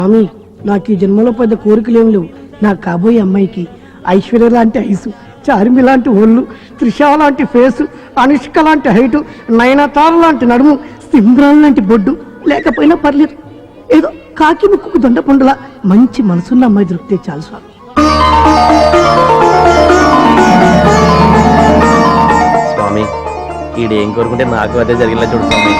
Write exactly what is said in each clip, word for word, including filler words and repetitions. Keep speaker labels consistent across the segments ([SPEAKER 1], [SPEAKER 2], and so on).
[SPEAKER 1] స్వామి, నాకు ఈ జన్మలో పెద్ద కోరికలేం లేవు. నాకు కాబోయే అమ్మాయికి ఐశ్వర్య లాంటి ఐసు, చార్మి లాంటి ఒళ్ళు, త్రిష లాంటి ఫేసు, అనుష్క లాంటి హైటు, నయనతార లాంటి నడుము, సింద్రాన్ లాంటి బొడ్డు లేకపోయినా పర్లేదు. ఏదో కాకి ముక్కుకు దొండ పండులా మంచి మనసున్న అమ్మాయి దొరికితే చాలు స్వామి.
[SPEAKER 2] స్వామి, ఈడేం కోరుకుంటే నాకు అదే జరిగిలా చూడు స్వామి.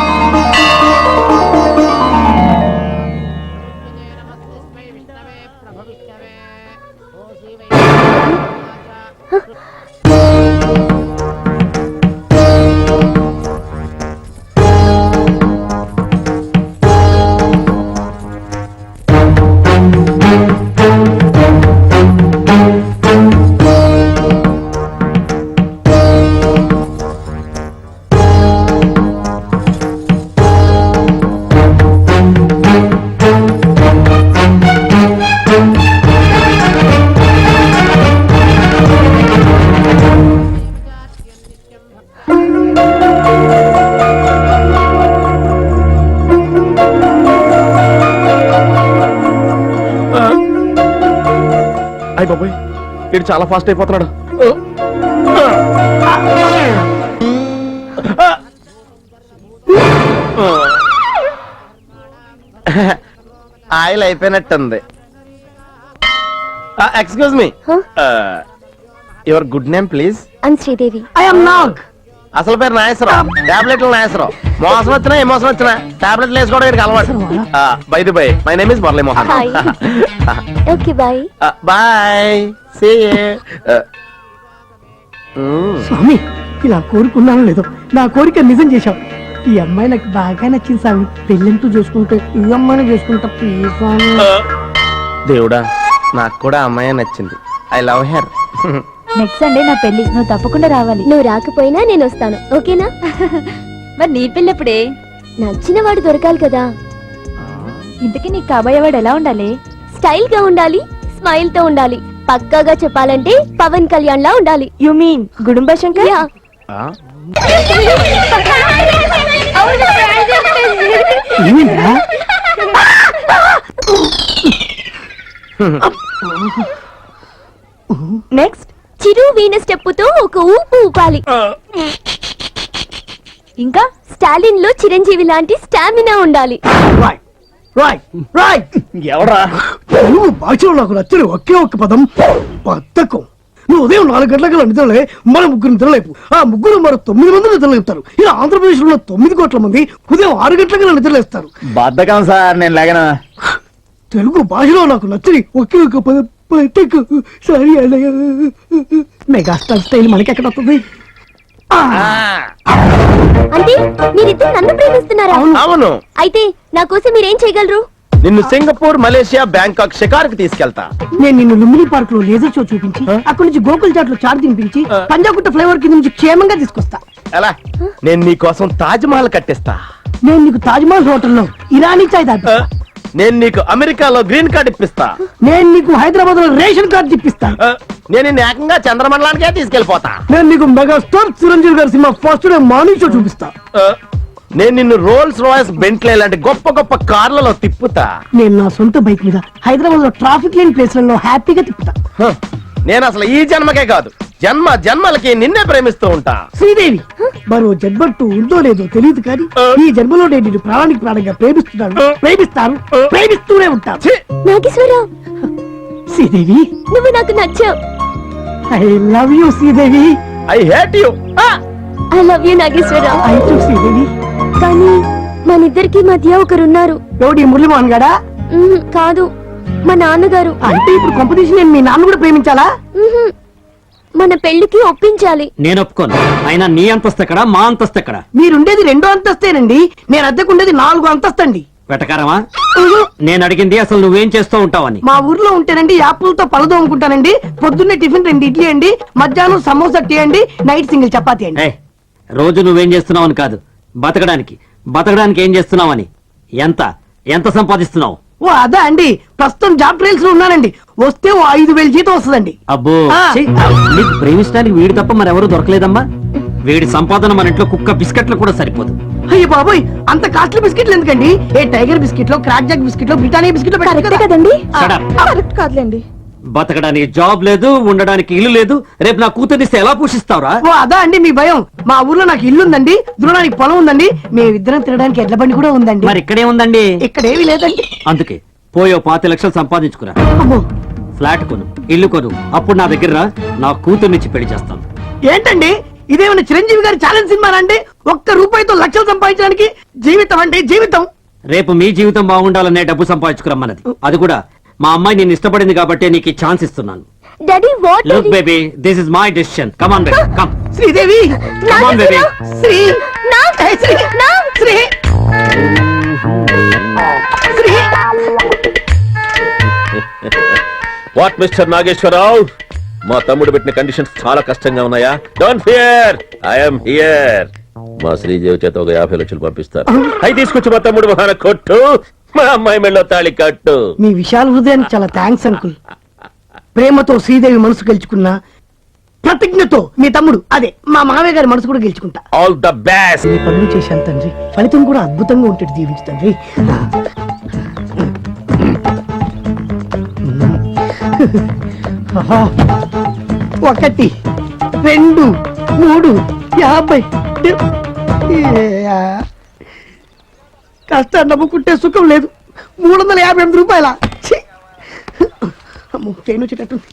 [SPEAKER 2] అయ్య బాబోయ్, వీడు చాలా ఫాస్ట్ అయిపోతున్నాడు. ఆయిల్ అయిపోయినట్టుంది. Excuse me, your good name please?
[SPEAKER 3] I'm Sridevi.
[SPEAKER 1] I am Nag.
[SPEAKER 2] అసలు పేరు నాగేశ్వరరావు, టాబ్లెట్లు నాగేశ్వరరావు. మోసం వచ్చినా ఏ మోసం వచ్చినా టాబ్లెట్లు వేసుకోవడం వీడికి అలవాటు. By the by, my name is Murali Mohan.
[SPEAKER 3] Okay bye.
[SPEAKER 2] Bye, see you.
[SPEAKER 1] స్వామి, ఇలా కోరుకున్నాను లేదో నా కోరిక నిజం చేశావు. ఈ అమ్మాయి నాకు బాగా నచ్చింది స్వామి. పెళ్ళంటూ చూసుకుంటే ఈ అమ్మాయిని చేసుకుంటా ప్లీజ్ స్వామి.
[SPEAKER 2] దేవుడా, నాకు కూడా అమ్మాయి నచ్చింది. I love her.
[SPEAKER 3] Next Sunday నా పెళ్లి, నువ్వు తప్పకుండా రావాలి. నువ్వు రాకపోయినా నేను వస్తాను, ఓకేనా? మరి నీ పెళ్ళి ఎప్పుడే? నచ్చిన వాడు దొరకాలి కదా. ఇంతకీ నీకు కాబోయేవాడు ఎలా ఉండాలి? స్టైల్ గా ఉండాలి, స్మైల్ తో ఉండాలి. పక్కాగా చెప్పాలంటే పవన్ కళ్యాణ్ లా ఉండాలి. You mean Gudumba Shankar? Next Chiru Veena స్టెప్పుతో ఒక ఊపు ఊపాలి. ఇంకా స్టాలిన్ లో చిరంజీవి లాంటి స్టామినా ఉండాలి.
[SPEAKER 2] ఎవరా
[SPEAKER 1] నువ్వు భాషలో నాకు నచ్చిన ఒకే ఒక్క పదం బద్ధకం. నువ్వు ఉదయం నాలుగు గంటల నిద్రలే మన ముగ్గురు నిద్రలేపు, ఆ ముగ్గురు మరో తొమ్మిది మంది నిద్రలేపుతారు. ఇలా ఆంధ్రప్రదేశ్ లో తొమ్మిది కోట్ల మంది ఉదయం ఆరు గంటల నిద్రలేస్తారు.
[SPEAKER 2] బద్ధకం సార్, నేను లేగనా.
[SPEAKER 1] తెలుగు భాషలో నాకు నచ్చని ఒకే ఒక్క పదం బద్ధకం. సరే అన్నయ్య, మెగాస్టార్ స్టైల్ మనకెక్కడ వస్తుంది?
[SPEAKER 3] అంటే మీరిద్దరు నన్ను ప్రేమిస్తున్నారా?
[SPEAKER 2] అవును.
[SPEAKER 3] అయితే నా కోసం మీరేం చేయగలరు?
[SPEAKER 2] నిన్ను సింగపూర్, మలేషియా, బ్యాంకాక్ షికారుకి తీసుకెళ్తా.
[SPEAKER 1] నేను నిన్ను లుంబిని పార్క్ లో లేజర్ షో చూపించి, అక్కడి నుంచి గోకుల్ చాట్ లో చాట్ తినిపించి, పంజాగుట్ట ఫ్లైఓవర్ కింద నుంచి క్షేమంగా తీసుకొస్తా.
[SPEAKER 2] ఎలా? నేను నీ కోసం తాజ్ మహల్ కట్టిస్తా.
[SPEAKER 1] నేను నీకు తాజ్ మహల్ హోటల్లో ఇరానీ చాయ్ తాగిస్తా.
[SPEAKER 2] నేను నీకు అమెరికాలో గ్రీన్ కార్డ్ ఇప్పిస్తా.
[SPEAKER 1] నేను నీకు హైదరాబాద్ లో రేషన్ కార్డు ఇప్పిస్తా.
[SPEAKER 2] నేను నిన్ను ఏకంగా చంద్రమండలానికే తీసుకెళ్లిపోతా.
[SPEAKER 1] నేను నీకు మెగాస్టార్ చిరంజీవి గారి cinema first day morning show చూపిస్తా.
[SPEAKER 2] నేను నిన్ను రోల్స్ రాయల్స్, బెంట్లే లాంటి గొప్ప గొప్ప కార్లలో తిప్పుతా.
[SPEAKER 1] నేను నా సొంత బైక్ మీద హైదరాబాద్ లో ట్రాఫిక్ లేని ప్లేస్లలో హ్యాపీగా తిప్పుతా.
[SPEAKER 2] నేను అసలు ఈ జన్మకే కాదు, జన్మ జన్మలకి నిన్నే ప్రేమిస్తూ ఉంటా.
[SPEAKER 1] శ్రీదేవి, మరో జన్మట్టు ఉందో లేదో తెలియదు కానీ ఈ జన్మలో నేను నిన్ను ప్రాణానికి ప్రాణంగా ప్రేమిస్తున్నాను, ప్రేమిస్తాను, ప్రేమిస్తూనే ఉంటాను.
[SPEAKER 3] నాగేశ్వరరావు,
[SPEAKER 1] శ్రీదేవి,
[SPEAKER 3] నువ్వు నాకు నచ్చావు.
[SPEAKER 1] I love you Sridevi.
[SPEAKER 2] I hate you.
[SPEAKER 3] I love you Nageswararao.
[SPEAKER 1] I too Sridevi.
[SPEAKER 3] కానీ మనిద్దరికి మధ్య ఒకరున్నారు.
[SPEAKER 1] ఎవడి మురళీమోహన్ గాడా?
[SPEAKER 3] మ్మ్, కాదు, మా నాన్నగారు.
[SPEAKER 1] అంటే ఇప్పుడు కాంపిటీషన్ నేను మీ నాన్న కూడా ప్రేమించాలా?
[SPEAKER 3] మ్మ్, మన పెళ్లికి ఒప్పించాలి.
[SPEAKER 4] నేను ఒప్పుకోను. అయినా నీ అంతస్తు ఎక్కడ, మా అంతస్తు ఎక్కడ?
[SPEAKER 1] మీరుండేది రెండో అంతస్తేనండి, నేను అద్దెకుండేది నాలుగో అంతస్తండి.
[SPEAKER 4] వెటకారమా? నేను అడిగింది అసలు నువ్వేం చేస్తూ ఉంటావని.
[SPEAKER 1] మా ఊర్లో ఉంటేనండి యాపులతో పలదో అమ్ముకుంటానండి. పొద్దున్నే టిఫిన్ రెండు ఇడ్లీ అండి, మధ్యాహ్నం సమోసా టీ అండి, నైట్ సింగిల్ చపాతీ అండి.
[SPEAKER 4] ఏయ్, రోజు నువ్వేం చేస్తున్నావని కాదు, బతకడానికి బతకడానికి ఏం చేస్తున్నావని. ఎంత ఎంత సంపాదిస్తున్నావు?
[SPEAKER 1] ఓ అదా అండి, ప్రస్తుతం జాబ్ ట్రయల్స్ లో ఉన్నానండి. వస్తే ఓ ఐదు వేలు జీతం వస్తుందండి.
[SPEAKER 4] అబ్బో,
[SPEAKER 1] ఆ.
[SPEAKER 4] ఛీ, నీకు ప్రేమించడానికి వీడు తప్ప మరెవరూ దొరకలేదమ్మా. వీడి సంపాదన మన ఇంట్లో కుక్క బిస్కెట్లు కూడా సరిపోదు.
[SPEAKER 1] అయ్యో బాబోయ్, అంత కాస్ట్లీ బిస్కెట్లు ఎందుకండి? ఏ టైగర్ బిస్కెట్లో, క్రాక్ జాక్ బిస్కెట్లో, బ్రిటానియా బిస్కెట్లో పెట్టారు కదా
[SPEAKER 3] కదండి.
[SPEAKER 4] Shut up.
[SPEAKER 3] కరెక్ట్ కాదులేండి.
[SPEAKER 4] బతకడానికి జాబ్ లేదు, ఉండడానికి ఇల్లు లేదు. రేపు నా కూతురిస్తే ఎలా పోషిస్తావురా?
[SPEAKER 1] ఓ అదా అండి మీ భయం? మా ఊర్లో నాకు ఇల్లు ఉందండి, దున్నడానికి పొలం ఉందండి, మేమిద్దరం తినడానికి ఎడ్ల బండి కూడా ఉందండి.
[SPEAKER 4] మరి ఇక్కడే ఉందండి.
[SPEAKER 1] ఇక్కడేమీ లేదండి.
[SPEAKER 4] అందుకే పోయో పాతి లక్షలు సంపాదించుకురా,
[SPEAKER 1] అమ్మో,
[SPEAKER 4] ఫ్లాట్ కొను, ఇల్లు కొను, అప్పుడు నా దగ్గర రా, నా కూతుర్నిచ్చి పెళ్లి చేస్తాను.
[SPEAKER 1] ఏంటండి ఇదేమైనా చిరంజీవి గారి ఛాలెంజ్ సినిమా అండి? ఒక్క రూపాయితో లక్షలు సంపాదించడానికి జీవితం అంటే జీవితం.
[SPEAKER 4] రేపు మీ జీవితం బాగుండాలనే డబ్బు సంపాదించుకురమ్మన్నది. అది కూడా మా అమ్మాయి నేను ఇష్టపడింది కాబట్టి నీకు ఈ ఛాన్స్ ఇస్తున్నాను.
[SPEAKER 3] Daddy what?
[SPEAKER 4] Look baby, this is my decision. Come on baby, come.
[SPEAKER 1] Sridevi,
[SPEAKER 4] Come on, baby.
[SPEAKER 1] Sri
[SPEAKER 3] నా
[SPEAKER 1] ఏ, శ్రీ
[SPEAKER 3] నా
[SPEAKER 1] శ్రీ శ్రీ
[SPEAKER 2] వాట్ మిస్టర్ నాగేశ్వరరావు, మా తమ్ముడు పెట్టిన కండిషన్స్ చాలా కష్టంగా ఉన్నాయా? Don't fear, I'm here. మా శ్రీదేవి చేత ఒక యాభై లక్షలు పంపిస్తారు. అవి తీసుకొచ్చి మా తమ్ముడు మొహాన కొట్టు, మా అమ్మాయి మెళ్ళో తాళి కట్టు.
[SPEAKER 1] మీ విశాల హృదయానికి చాలా థ్యాంక్స్ అంకుల్. ప్రేమతో శ్రీదేవి మనసు గెలుచుకున్నా, ప్రతిజ్ఞతో మీ తమ్ముడు అదే మా మామయ్య గారి మనసు కూడా గెలుచుకుంటా.
[SPEAKER 2] All the best.
[SPEAKER 1] ఈ పనులు చేశాను తండ్రి, ఫలితం కూడా అద్భుతంగా ఉంటుంది. దీవించు తండ్రి. ఆహా. ఒకటి, రెండు, మూడు, యాభై. ఏ, కష్టాన్ని నమ్ముకుంటే సుఖం లేదు. మూడు వందల యాభై ఎనిమిది రూపాయల ట్రైన్ వచ్చేటట్టుంది.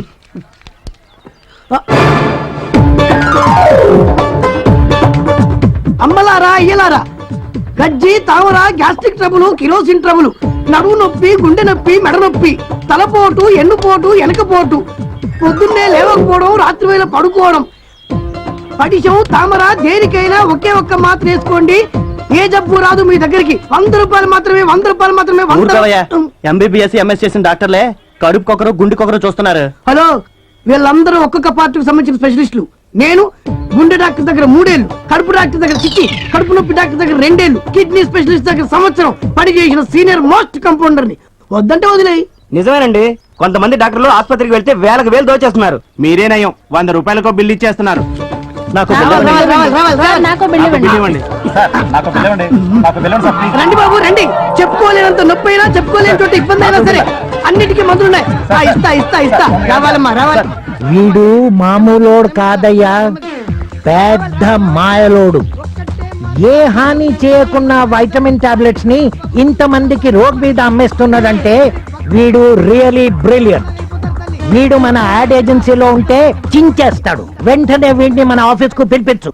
[SPEAKER 1] అమ్మలారా అయ్యలారా, గజ్జి తామర, గ్యాస్ట్రిక్ ట్రబుల్, కిరోసిన్ ట్రబుల్, నడువు నొప్పి, గుండె నొప్పి, మెడ నొప్పి, తలపోటు, ఎన్నుపోటు, వెనకపోటు, పొద్దున్నే లేవకపోవడం, రాత్రి వేళ పడుకోవడం, పడిశం, తామర, దేనికైనా ఒకే ఒక్క మాత్ర వేసుకోండి. ఏ జబ్బు రాదు మీ దగ్గరికి. వంద రూపాయలు మాత్రమే, వంద రూపాయలు మాత్రమే.
[SPEAKER 5] ఎంబీబీఎస్ ఎంఎస్ చేసిన డాక్టర్లే కడుపుకొకరు గుండెకొకరు చూస్తున్నారు.
[SPEAKER 1] హలో, వీళ్ళందరూ ఒక్కొక్క పార్టీకి సంబంధించిన స్పెషలిస్టులు. నేను గుండె డాక్టర్ దగ్గర మూడేళ్లు, కడుపు డాక్టర్ దగ్గర చిట్టి, కడుపు నొప్పి డాక్టర్ దగ్గర రెండేళ్లు, కిడ్నీ స్పెషలిస్ట్ దగ్గర సంవత్సరం పని చేసిన సీనియర్ మోస్ట్ కంపౌండర్ ని. వద్దంటే వదిలేయి.
[SPEAKER 5] నిజమేనండి, కొంతమంది డాక్టర్లు ఆసుపత్రికి వెళ్తే వేలకు వేలు దోచేస్తున్నారు. మీరే నయం, వంద రూపాయలకు బిల్లు ఇచ్చేస్తున్నారు. నాకు బిల్లు
[SPEAKER 1] రావాలి,
[SPEAKER 5] ఇవ్వండి.
[SPEAKER 1] రావాలి, రావాలి, రావాలి.
[SPEAKER 3] నాకు బిల్లు
[SPEAKER 5] నాకు బిల్లు
[SPEAKER 3] ఇవ్వండి.
[SPEAKER 5] ఇవ్వండి. సార్, నాకు బిల్లు ఇవ్వండి. నాకు బిల్లు ఇవ్వండి సార్, ప్లీజ్.
[SPEAKER 1] రండి బాబు రండి. చెప్పుకోలేనంత నొప్పి అయినా, చెప్పుకోలేని చోట ఇబ్బంది అయినా సరే అన్నిటికీ మందులున్నాయి. ఆ, ఇస్తా ఇస్తా ఇస్తా. రావాలమ్మా రావాలి.
[SPEAKER 6] వీడు మామూలోడు కాదయ్యా, పెద్ద మాయలోడు. ఏ హాని చేయకున్న వైటమిన్ టాబ్లెట్స్ ని ఇంతమందికి రోడ్ మీద అమ్మేస్తున్నాడంటే వీడు రియలీ బ్రిలియంట్. వీడు మన యాడ్ ఏజెన్సీలో ఉంటే చించేస్తాడు. వెంటనే వీడిని మన ఆఫీస్ కు పిలిపించు.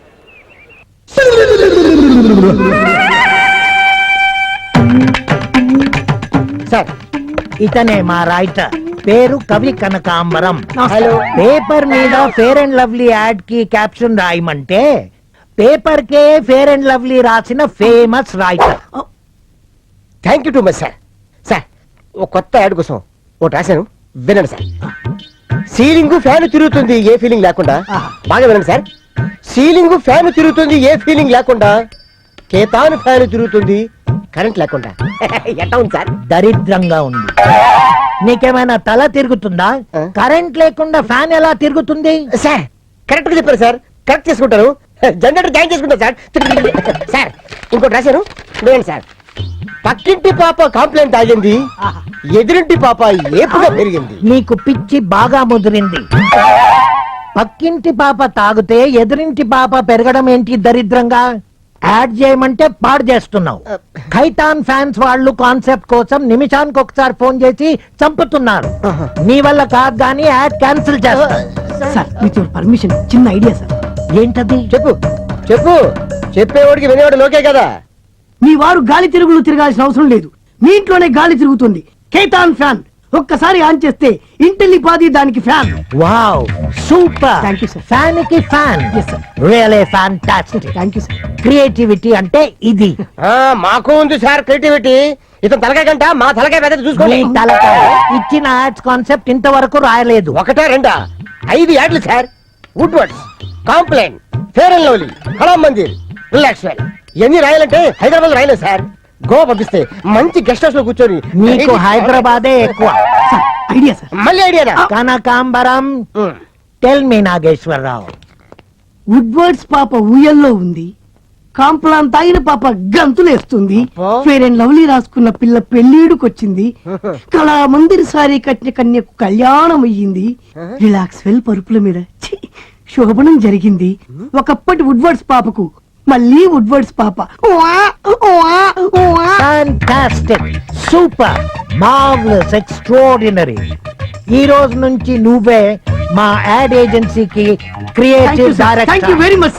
[SPEAKER 6] సార్, ఇతనే మా రైటర్, పేరు కవి కనకాంబరం.
[SPEAKER 1] హలో.
[SPEAKER 6] పేపర్ మీద ఫేర్ అండ్ లవ్లీ యాడ్ కి క్యాప్షన్ రాయమంటే పేపర్ కే ఫేర్ అండ్ లవ్లీ రాసిన famous writer.
[SPEAKER 5] Thank you too much sir. Sir, ఒక కొత్త యాడ్ కోసం ఒకటి రాశాను, వినండి సార్. సీలింగ్ ఫ్యాన్ తిరుగుతుంది ఏ ఫీలింగ్ లేకుండా. బాగా వినండి సార్. సీలింగ్ ఫ్యాన్ తిరుగుతుంది ఏ ఫీలింగ్ లేకుండా, కేతాను ఫ్యాన్ తిరుగుతుంది కరెంట్ లేకుండా. ఎట్లా ఉంది సార్?
[SPEAKER 6] దరిద్రంగా ఉంది. నీకేమైనా తల తిరుగుతుందా?
[SPEAKER 5] ఆ?
[SPEAKER 6] కరెంట్ లేకుండా ఫ్యాన్ ఎలా తిరుగుతుంది?
[SPEAKER 5] సార్, కరెక్ట్ గా చెప్పారు సార్. కరెక్ట్ చేసుకుంటారు. జనరేటర్ జాయిన్ చేసుకుంటారు సార్. సార్, ఇంకోటి రాశాను, వినండి సార్. పక్కింటి పాప కాంప్లైంట్ ఆగింది, ఎదురింటి పాప ఏపుగా పెరిగింది.
[SPEAKER 6] నీకు పిచ్చి బాగా ముదిరింది. పక్కింటి పాప తాగితే ఎదురింటి పాప పెరగడం ఏంటి దరిద్రంగా? యాడ్ చేయమంటే పాడు చేస్తున్నావు. ఖైతాన్ ఫ్యాన్స్ వాళ్ళు కాన్సెప్ట్ కోసం నిమిషానికి ఒకసారి ఫోన్ చేసి చంపుతున్నారు. నీ వల్ల కాదు గానీ యాడ్ క్యాన్సిల్ చేస్తా.
[SPEAKER 1] సార్, విత్ యువర్ పర్మిషన్ చిన్న ఐడియా సార్.
[SPEAKER 6] ఏంటది?
[SPEAKER 5] చెప్పు చెప్పు చెప్పేవాడికి వినేవాడు లోకే కదా.
[SPEAKER 1] మీ వారు గాలి తిరుగులు తిరగాల్సిన అవసరం లేదు. మీ ఇంట్లోనే గాలి తిరుగుతుంది. కేతాన్ ఫ్యాన్ ఒక్కసారి ఆన్ చేస్తే ఇంటిల్లిపాది దానికి fan.
[SPEAKER 6] Wow, super.
[SPEAKER 1] Thank you, sir.
[SPEAKER 6] Fan కి fan.
[SPEAKER 1] Yes, sir.
[SPEAKER 6] Really fantastic.
[SPEAKER 1] Thank you sir.
[SPEAKER 6] Creativity అంటే ఇది.
[SPEAKER 5] ఆ, మాకు ఉంది సార్ క్రియేటివిటీ. ఇతను తలకాయ గంట, మా తలకాయ పెద్ద
[SPEAKER 6] మీ
[SPEAKER 5] చూసుకోండి.
[SPEAKER 6] తలకాయ ఇచ్చిన యాడ్స్ కాన్సెప్ట్ ఇంతవరకు రాయలేదు.
[SPEAKER 5] ఒకటా రెండా ఐదు యాడ్లు sir. Woodward's, complaint, fair and lovely, Kala Mandir, relax well, ఇవన్నీ రాయాలంటే హైదరాబాద్ రాయలేదు సార్. గోవా పంపిస్తే మంచి గెస్ట్ హౌస్ లో కూర్చొని
[SPEAKER 6] నీకు హైదరాబాదే ఎక్కువ.
[SPEAKER 1] Sir, idea sir.
[SPEAKER 5] మళ్ళీ ఐడియానా?
[SPEAKER 6] కనకాంబరం, టెల్ మీ నాగేశ్వరరావు,
[SPEAKER 1] వుడ్వర్డ్స్ పాప ఊయల్లో ఉంది, కాంప్లాన్ తాగిన పాప గంతులేస్తుంది,
[SPEAKER 5] అబ్బా.
[SPEAKER 1] ఫేర్ అండ్ లవ్లీ రాసుకున్న పిల్ల పెళ్ళీడుకొచ్చింది, కళా మందిర్ సారీ కట్టిన కన్యకు కళ్యాణం అయ్యింది, రిలాక్స్ వెల్ పరుపుల మీద ఛీ, శోభనం జరిగింది. ఒకప్పటి వుడ్వర్డ్స్ పాపకు మళ్ళీ వుడ్వర్డ్స్ పాప. ఉవా, ఉవా, ఉవా.
[SPEAKER 6] Fantastic, super, marvellous, extraordinary. ఈ రోజు నుంచి నువ్వే మా యాడ్ ఏజెన్సీకి
[SPEAKER 1] Thank you,
[SPEAKER 6] creative
[SPEAKER 1] sir. Thank you
[SPEAKER 6] director.
[SPEAKER 1] very much,